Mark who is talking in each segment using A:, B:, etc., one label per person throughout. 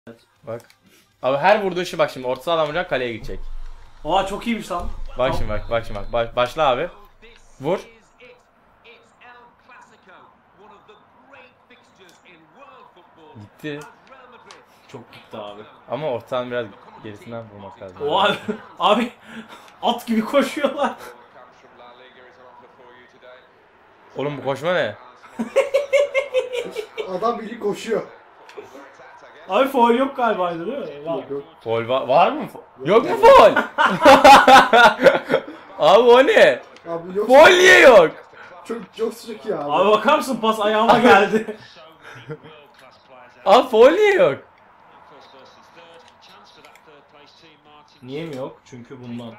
A: Bak. Abi her vurduğu işi bak şimdi orta sahadan vuracak kaleye gidecek.
B: Aa çok iyiymiş lan.
A: Bak şimdi bak şimdi bak. Başla abi. Vur. Gitti.
B: Çok gitti abi.
A: Ama ortadan biraz gerisinden vurmak lazım.
B: Oha abi at gibi koşuyorlar.
A: Oğlum bu koşma ne?
C: Adam biri koşuyor.
B: Abi foul yok galiba değil mi? Var.
C: Yok.
A: Foul var mı? Yok mu foul? Abi o ne?
C: Abi yok.
A: Foul niye yok?
C: Çok sıcak ya abi.
B: Abi bakar mısın pas ayağıma geldi.
A: Abi foul niye yok?
B: Niye mi yok? Çünkü bundan.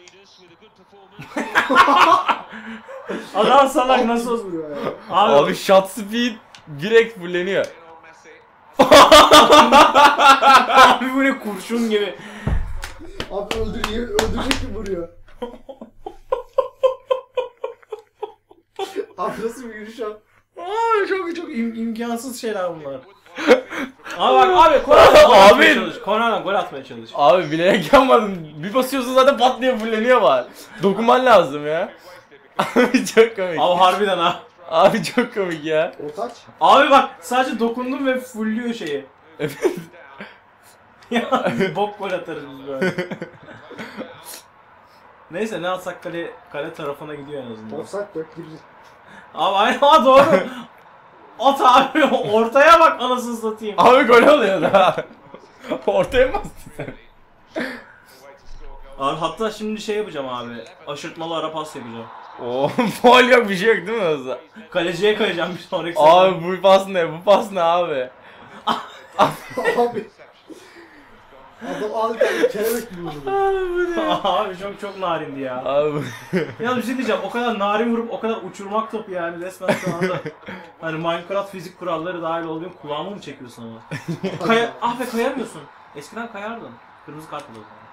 B: Adam salak nasıl
C: vuruyor ya?
A: Abi shot speed direkt fulleniyor.
B: Abi bu ne kurşun gibi.
C: Abi öldürecek gibi vuruyor. Abi nasıl bir yürüyüş abi?
B: Abi çok imkansız şeyler bunlar. Abi bak abi Konar'dan gol atmaya çalış. Konar'dan gol atmaya çalış.
A: Abi bilerek yapmadım. Bir basıyorsun zaten pat diye fulleniyor var. Dokunman lazım ya. Abi çok komik.
B: Abi harbiden ha.
A: Abi çok komik ya.
C: Ortaç.
B: Abi bak sadece dokundum ve fullüyor şeyi.
A: Evet.
B: Ya bok gol atarız biz böyle. Neyse ne atsak kale tarafına gidiyor en azından.
C: Offside dök girir.
B: Abi aynen ha doğru. At abi ortaya bak anasını satayım.
A: Abi gol oluyor da. Ortaya mı bastın sen?
B: Abi hatta şimdi şey yapacağım abi. Aşırtmalı ara pas yapacağım.
A: Oo, faul yok bir şey yok değil mi Oza?
B: Kaleciye kayacağım bir sonraki
A: Abi bu pas ne? Bu pas ne abi?
C: Abi. Adam adeta kelebek gibi vurdu.
B: Abi çok narindi ya.
A: Abi.
B: Ya bir şey diyeceğim, o kadar narin vurup o kadar uçurmak topu yani resmen şu anda. Hani Minecraft fizik kuralları dahil olduğum kulağıma mı çekiyorsun ama? Ah be kayamıyorsun. Eskiden kayardın. Kırmızı kart mı o zaman?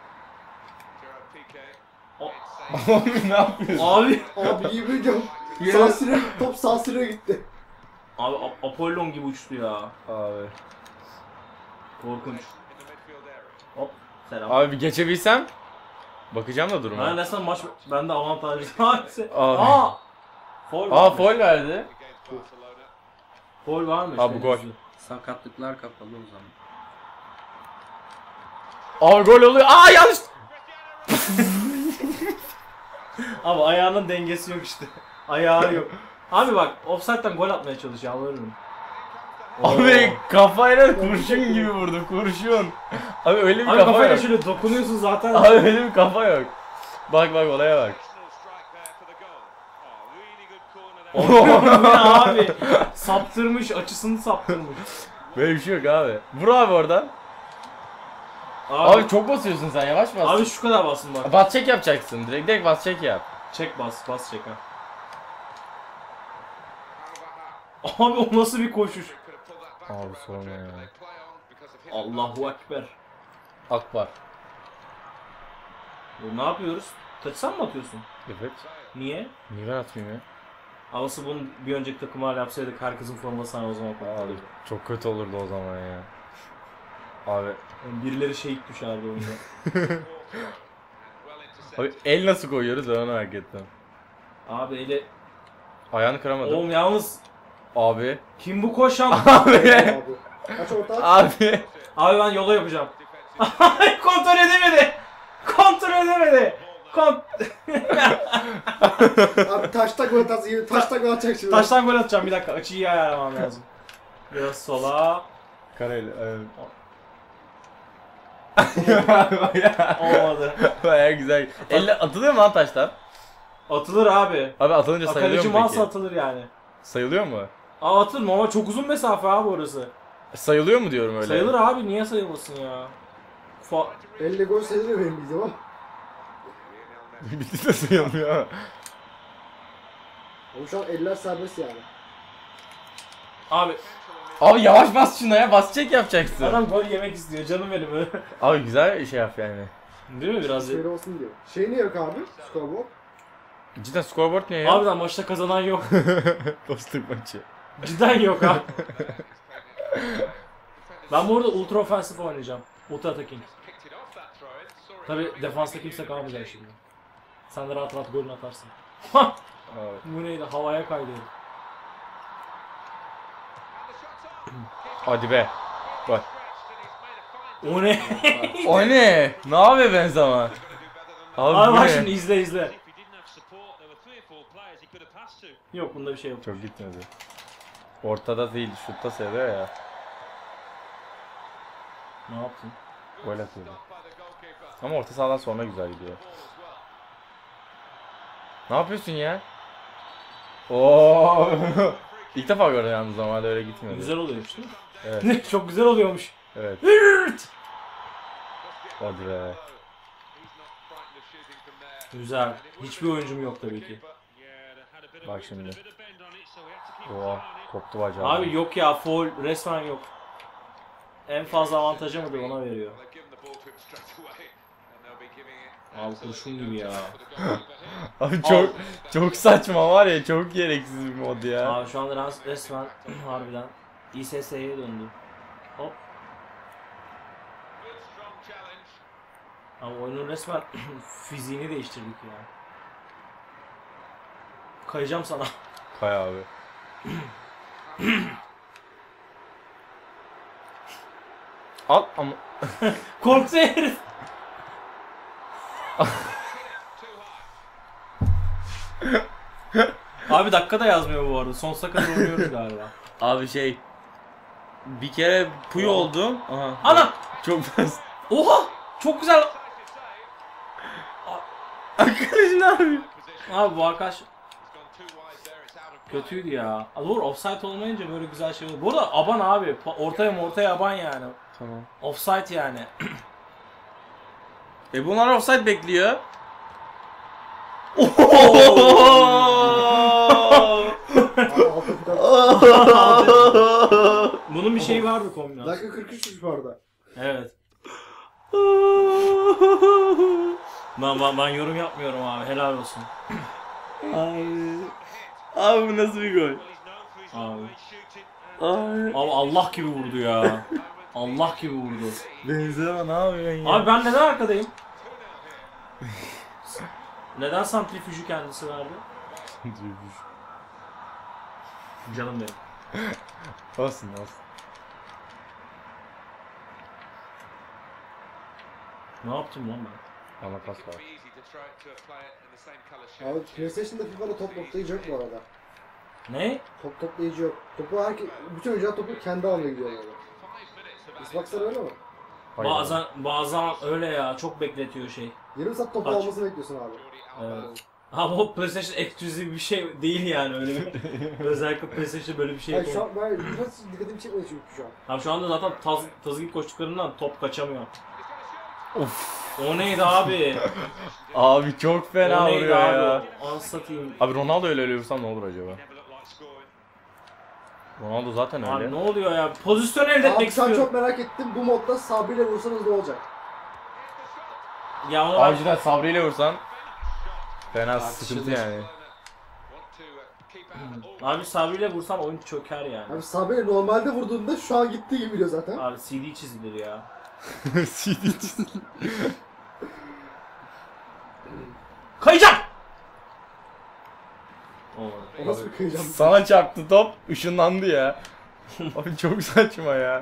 A: Abi ne yapıyorsun?
B: Abi.
C: Abi iyi biliyorum. Top sansüre gitti.
B: Abi Apollon gibi uçtu ya.
A: Abi.
B: Korkunç. Hop. Selam.
A: Abi bir geçebilsem. Bakacağım da duruma.
B: Ben resmen maç bende avantajlı. Abi. Foul.
A: Foul verdi.
B: Foul varmış.
A: Abi bu gol.
D: Sakatlıklar kapalı o zaman.
A: Abi gol oluyor. Yanlış.
B: Abi ayağının dengesi yok işte. Ayağı yok. Abi bak offside'den gol atmaya çalışıyor alırım.
A: Abi kafayla kurşun gibi vurdu kurşun. Abi öyle bir
B: Abi
A: kafa
B: kafayla
A: yok.
B: şöyle dokunuyorsun zaten.
A: Abi öyle bir kafa yok. Bak olaya bak.
B: Abi saptırmış açısını saptırmış.
A: Böyle bir şey yok abi. Vur abi oradan. Abi çok basıyorsun sen yavaş bas.
B: Abi şu kadar basın bak.
A: Bas çek yapacaksın. Direkt bas çek yap.
B: Çek bas çek ha. Abi o nasıl bir koşuş?
A: Abi sorma ya.
B: Allahu Ekber.
A: Akbar.
B: Ne yapıyoruz? Taçsan mı atıyorsun?
A: Evet.
B: Niye?
A: Niye ben atmayayım ya?
B: Havası bunu bir önceki takımlarla yapsaydık herkesin formasını o zaman
A: Abi
B: koyardık.
A: çok kötü olurdu o zaman ya. Abi.
B: Yani birileri şehit düşerdi oyunda.
A: Abi el nasıl koyuyoruz ben onu merak ettim.
B: Abi eli...
A: Ayağını kıramadım.
B: Oğlum yalnız
A: Abi.
B: kim bu koşan?
A: Abi.
C: Abi. Kaç ortaç?
A: Abi.
B: Abi ben yola yapacağım. Kontrol edemedi. Kontrol edemedi.
C: Abi taşta gol atarsın. Taşta gol atacak şimdi.
B: Taştan gol atacağım bir dakika. Açıyı iyi ayarlamam lazım. Biraz sola.
A: Kareli.
B: Olmadı.
A: Baya güzel. Elle atılıyor mu lan taştan?
B: Atılır abi.
A: Abi atılınca sayılıyor
B: Kaleci
A: mu
B: malsa
A: peki?
B: atılır yani.
A: Sayılıyor mu?
B: Aa atılır mı ama çok uzun mesafe abi orası.
A: Sayılıyor mu diyorum öyle?
B: Sayılır abi niye sayılmasın ya?
C: 50 gol sayılıyor benim bildiğim ama.
A: Bitti de sayılmıyor.
C: Ama şu an eller serbest yani.
B: Abi
A: Yavaş bas şuna ya. Bas çek yapacaksın.
B: adam gol yemek istiyor canım benim.
A: Abi güzel şey yap yani.
B: Değil mi biraz?
C: Şöyle olsun diyor. Şey ne yok abi? Scoreboard.
A: Cidden scoreboard ne ya?
B: Harbiden maçta kazanan yok.
A: Dostluk maçı.
B: Cidden yok ha. Ben bu arada ultra offensive oynayacağım. Ultra attacking. Tabi defansta kimse kalmayacak şimdi. Sen de rahat rahat golünü atarsın.
A: Evet.
B: Bu neydi? Havaya kaydı.
A: Hadi be. Bak.
B: O ne?
A: O ne? Ne yapıyor Benzema?
B: Abi
A: bu
B: bak
A: ne?
B: şimdi izle. Yok bunda bir şey yok.
A: Çok gitmedi. Ortada değil, şutta seviyor ya.
B: Ne yaptın?
A: Gol atıyordu. Ama orta sahadan sonra güzel gidiyor. Ne yapıyorsun ya? Oo. İlk defa gördüm yalnız, normalde öyle gitmiyordu.
B: Güzel oluyormuş değil mi?
A: Evet.
B: Çok güzel oluyormuş.
A: Evet. Hadi be.
B: Güzel. Hiçbir oyuncum yok tabii ki.
A: Bak şimdi. Oha, koptu bacağı.
B: Abi yok ya, foul resmen yok. En fazla avantajı mıdır ona veriyor. Abi kurşun gibi ya.
A: Abi çok saçma var ya, çok gereksiz bir mod ya.
B: Abi şu anda resmen harbiden İSS'ye döndü. Hop. Ama oyunun resmen fiziğini değiştirdik ya. Kayacağım sana.
A: Kay abi. Al ama.
B: Korktu herif. Abi dakika da yazmıyor bu arada. Sonsuza kadar oynuyoruz galiba.
A: Abi şey. Bir kere puy oldum. Aha.
B: Ana!
A: Çok fazla.
B: Oha! Çok güzel.
A: Arkadaş ne yapıyor?
B: Abi bu arkadaş kötüydü ya. Doğru, offside olmayınca böyle güzel şey oluyor. Bu arada aban abi. Ortaya aban yani.
A: Tamam.
B: Offside yani.
A: Bunlar offside bekliyor.
B: Bunun bir şeyi vardı kombinasyon.
C: Dakika 43 bu arada.
B: Evet. Ben yorum yapmıyorum abi. Helal olsun.
A: Abi bu nasıl bir gol?
B: Abi.
A: Abi.
B: Abi Allah gibi vurdu ya. Allah gibi vurdu.
A: Benzema ne yapıyorsun ya?
B: Abi ben neden arkadayım? Neden santrifüjü kendisi verdi? Canım benim.
A: Olsun.
B: Ne yaptım lan ben?
A: Bana pas var.
C: Abi PlayStation'da FIFA'da top toplayıcı yok bu arada.
B: Ne?
C: Top toplayıcı yok. Bütün oyuncular topu kendi almaya gidiyor böyle. Xbox'lar öyle mi?
A: Hayır.
B: Bazen öyle ya, çok bekletiyor şey.
C: Yarım saat topu
B: Kaç?
C: almasını bekliyorsun abi.
B: Evet. Ama o PlayStation eksklusif bir şey değil yani, öyle bir. Özellikle PlayStation böyle bir şey
C: Hayır şu
B: yapıyor.
C: an ben biraz dikkatimi çekmedi çünkü şu an.
B: Abi şu anda zaten tazı gibi koştuklarından top kaçamıyor.
A: Of.
B: O neydi abi?
A: Abi çok fena
B: O neydi
A: vuruyor
B: abi?
A: ya.
B: Anlatayım.
A: Abi Ronaldo öyle vursam ne olur acaba? Ronaldo zaten öyle.
B: Abi ne oluyor ya? Pozisyon elde etmek
C: Abi şu an
B: istiyorum.
C: çok merak ettim, bu modda Sabri ile vursanız ne olacak?
B: Ya onu
A: Abi cidden Sabri ile vursan fena
B: Tartışılır.
A: sıkıntı yani.
B: Abi Sabri ile vursam oyun çöker yani.
C: Abi Sabri normalde vurduğunda şu an gittiği gibi biliyor zaten.
B: Abi CD çizilir ya.
A: CD
B: Kayacağım!
C: O nasıl bir kıyacağım?
A: Sana çarptı top, ışınlandı ya. Abi çok saçma ya.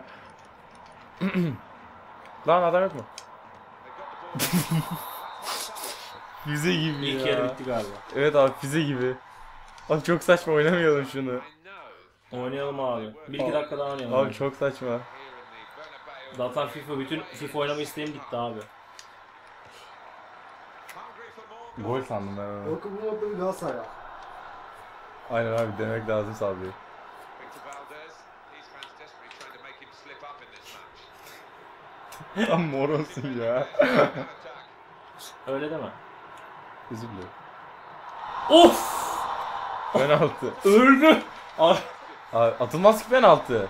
A: Lan adam yok mu? Füze gibi
B: İlk
A: ya.
B: yarı bitti galiba.
A: Evet abi, füze gibi. Abi çok saçma, oynamayalım şunu.
B: Oynayalım abi. 1-2 dakika daha oynayalım.
A: Abi çok saçma.
B: Zaten bütün FIFA oynama isteğim gitti abi.
A: Gol sandım ben onu.
C: Yok bu modda bir Galatasaray ya.
A: Aynen abi, demek lazım Sabri. Tam mor olsun ya.
B: Öyle deme.
A: Özür dilerim.
B: Of!
A: Penaltı.
B: Öldü! Abi.
A: Abi atılmaz ki penaltı.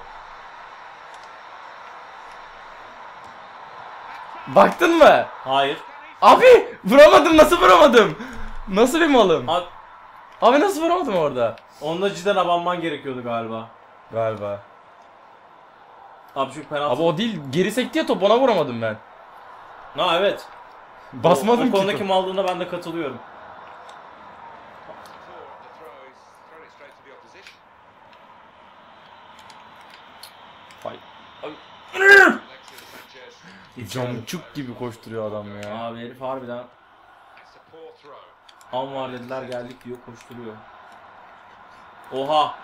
A: Baktın mı?
B: Hayır.
A: Abi vuramadım, nasıl vuramadım? Nasıl bir malım?
B: Abi,
A: Abi nasıl vuramadım orada?
B: onunla cidden abanman gerekiyordu galiba.
A: Galiba.
B: Abi şu penaltı.
A: Abi o değil, geri sekti ya top, ona vuramadım ben.
B: Ha evet.
A: Basmadım
B: o
A: ki.
B: konudaki maldığına ben de katılıyorum.
A: Vay. Camçuk gibi koşturuyor adam ya.
B: Abi herif harbiden var dediler geldik diyor koşturuyor. Oha.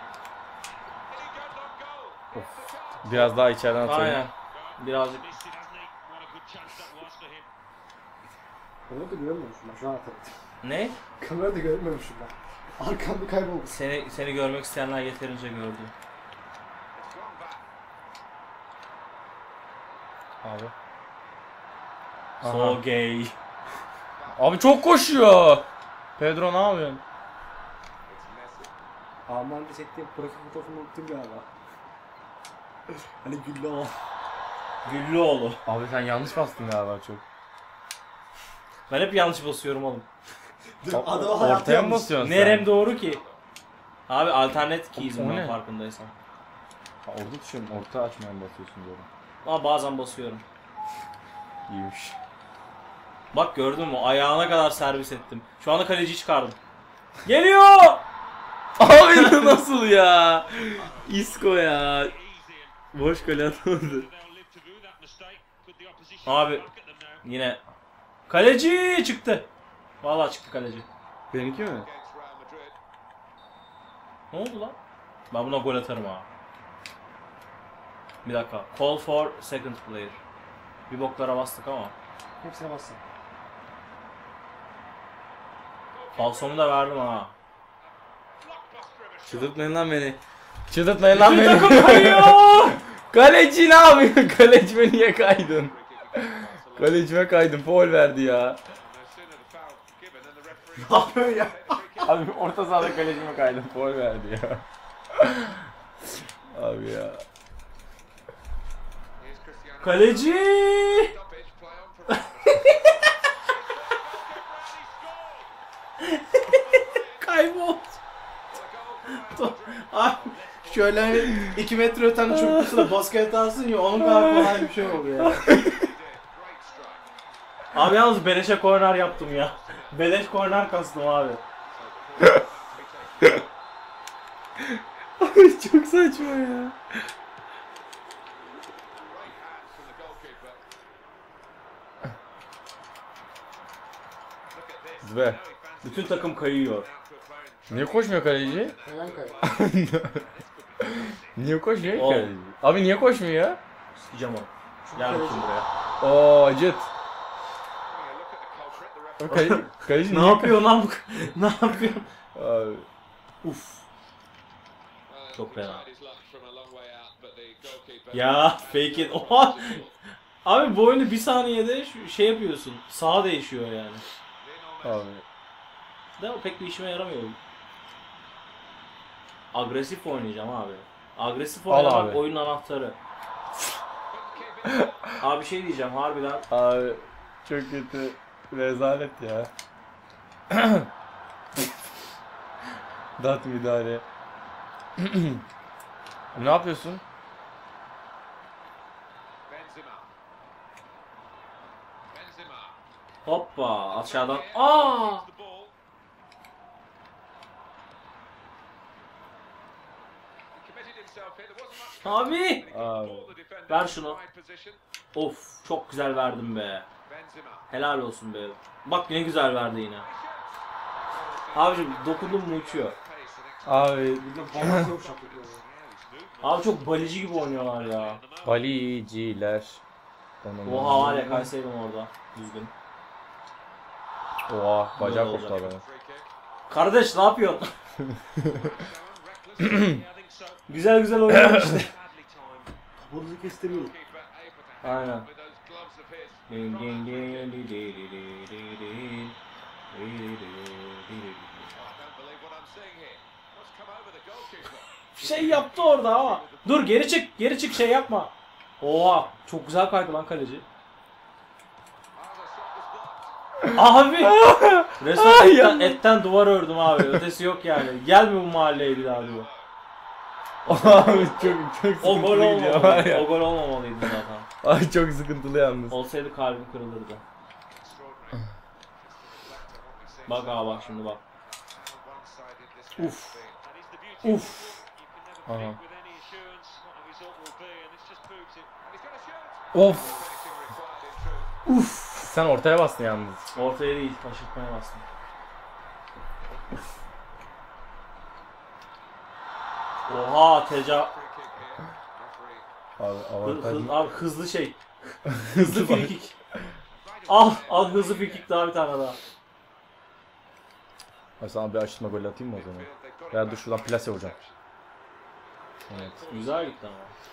A: Biraz daha içeriden atayım.
B: Aynen. Birazcık.
C: Kamerada görmemişim ben şu an hatırladım.
B: Ne?
C: Kamerada görmemişim ben. Arkamda kayboldu.
B: Seni görmek isteyenler yeterince gördü.
A: Abi.
B: So gay.
A: Abi çok koşuyor. Pedro ne yapıyorsun?
C: Alman'da çektiğim profil fotoğrafını unuttum galiba. Hani güllü o.
B: Güllüoğlu.
A: Abi sen yanlış bastın galiba çok.
B: Ben hep yanlış basıyorum oğlum.
C: Adama hayatı
A: Ortaya mı
C: yanlış.
A: basıyorsun
B: Nerem doğru ki? Abi alternate
A: O
B: keys'im ben
A: ne?
B: farkındaysan.
A: Ha, orada düşüyorum. Orta açmaya mı basıyorsun böyle?
B: Ama bazen basıyorum.
A: İyiymiş.
B: Bak gördün mü? Ayağına kadar servis ettim. Şu anda kaleciyi çıkardım. Geliyor!
A: Abi nasıl ya? Isco ya. Boş kale atamadı.
B: Abi yine kaleci çıktı. Vallahi çıktı kaleci.
A: Benimki mi?
B: Ne oldu lan? Ben buna gol atarım ha. Bir dakika. Call for second player. Bir boklara bastık ama.
C: Hepsine bassın.
B: Falsomu da verdim ha.
A: Çıldırtmayın lan beni. Çıldırtmayın lan
B: Bütün
A: beni.
B: takım kayıyor!
A: Kaleci ne yapıyor? Kalecime niye kaydın? Kalecime kaydın. Foul verdi ya.
B: Ne yapıyorsun ya?
A: Abi orta sahada kalecime kaydın. Foul verdi ya. Abi ya.
B: Kaleci! Kaybol. Abi şöyle hani 2 metre öten çubuklusuna basket atarsın ya onun kadar kolay bir şey oluyor ya. Abi yalnız beleşe korner yaptım ya. Beleş korner kastım abi.
A: Abi çok saçma ya. Zbe.
B: Bütün takım kayıyor.
A: Niye koşmuyor kaleci?
C: Hemen kay.
A: Niye koşmuyor ki
B: Oğlum.
A: kaleci? Abi niye koşmuyor ya?
B: Sikeceğim onu. Gel bakayım buraya.
A: Oo acıt. Kaleci
B: Ne yapıyor lan bu? Ne yapıyor?
A: Abi.
B: Uf. Çok fena. Ya fake it. Oha. Abi bu oyunu bir saniyede şey yapıyorsun. Sağa değişiyor yani.
A: Abi.
B: De pek bir işime yaramıyor. Agresif oynayacağım abi. Agresif
A: Al
B: oynamak
A: abi.
B: oyunun anahtarı. Abi şey diyeceğim harbiden.
A: Abi çok kötü. Rezalet ya. Dat müdahale. Ne yapıyorsun?
B: Hoppa aşağıdan. Aa! Abi!
A: Abi.
B: Ver şunu. Of çok güzel verdim be. Helal olsun be. Bak ne güzel verdi yine. Abicim dokundum mu uçuyor.
A: Abi.
C: Bir de bana çok şaplık.
B: Abi çok balici gibi oynuyorlar ya.
A: Baliciler.
B: Oha var ya kaysaydım orada. Düzgün.
A: Oha bacak
B: Böyle
A: koptu
B: olacak.
A: adamın.
B: Kardeş ne yapıyorsun? Güzel güzel oynuyor işte.
C: Kapalıcı kestirmiyorum.
B: Aynen. Şey yaptı orada ama. Dur geri çık, geri çık şey yapma. Oha, çok güzel kaydı lan kaleci. Abi! Resmen etten duvar ördüm abi. Ötesi yok yani. Gelme bu mahalleye bir daha diyor.
A: Abi çok
B: O
A: sıkıntılı
B: gol
A: gidiyor var
B: olmamalıydı.
A: ya.
B: O gol olmamalıydı zaten.
A: Ay çok sıkıntılı yalnız.
B: Olsaydı kalbim kırılırdı. Bak abi bak şimdi bak. Uf. Uf.
A: Aha. Of. Uf. Sen ortaya bastın yalnız.
B: Ortaya değil, aşırtmaya bastım. Oha
A: Abi avantaj.
B: abi hızlı şey. Hızlı frikik. Al hızlı frikik daha bir tane daha.
A: Ay sana bir aşırtma gol atayım mı o zaman? Ya dur şuradan plase vuracağım. Evet.
B: Güzel gitti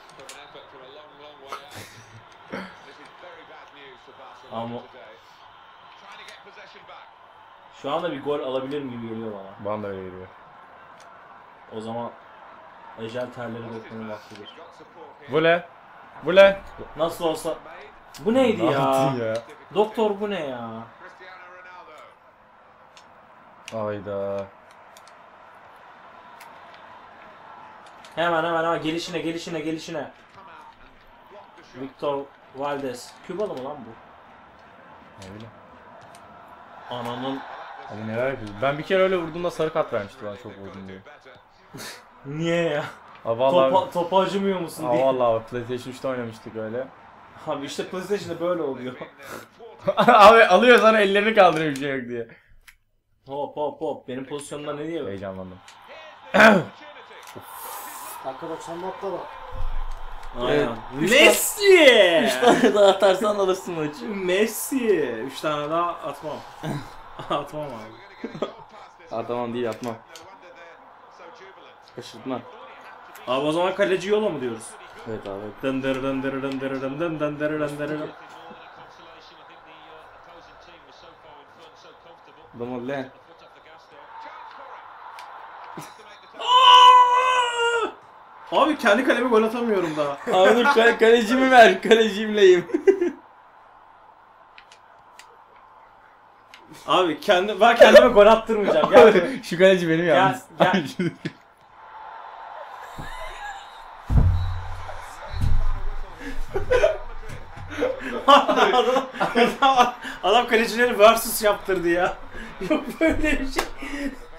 B: ama. Şu anda bir gol alabilirim gibi geliyor bana.
A: Bana da öyle geliyor.
B: O zaman ecel terleri beklemenin vaktidir.
A: Bu ne?
B: Nasıl olsa bu neydi
A: Ne
B: ya?
A: yaptın ya?
B: Doktor bu ne ya?
A: Ayda.
B: Hemen gelişine. Victor Valdez. Kübalı mı lan bu?
A: Öyle.
B: Ananın.
A: Abi neler yapıyorsun? Ben bir kere öyle vurduğumda sarı kart vermişti bana çok vurdum diye.
B: Niye ya?
A: Aa vallahi.
B: Topa acımıyor musun
A: Aa
B: diye.
A: vallahi PlayStation 3'te oynamıştık öyle.
B: Abi işte PlayStation'da böyle oluyor.
A: Abi alıyor sana ellerini kaldırıyor bir şey yok diye.
B: Hop. Benim pozisyonumda ne diyor?
A: Heyecanlandım.
C: Dakika 90'da atla bak.
B: Aynen.
A: Üç
B: Messi!
A: 3 tane daha atarsan alırsın maçı.
B: Messi! 3 tane daha atmam. Atmam abi.
A: Tamam değil atma. Kaşırtma.
B: Abi o zaman kaleci yola mı diyoruz?
A: Evet abi.
B: Dındırı.
A: Adamı lan.
B: Abi kendi kaleme gol atamıyorum daha.
A: Abi dur kalecimi ver. Kalecimleyim.
B: Abi ben kendime gol attırmayacağım. Gel.
A: Şu kaleci benim yalnız.
B: Gel. adam kalecileri versus yaptırdı ya. Yok böyle bir şey.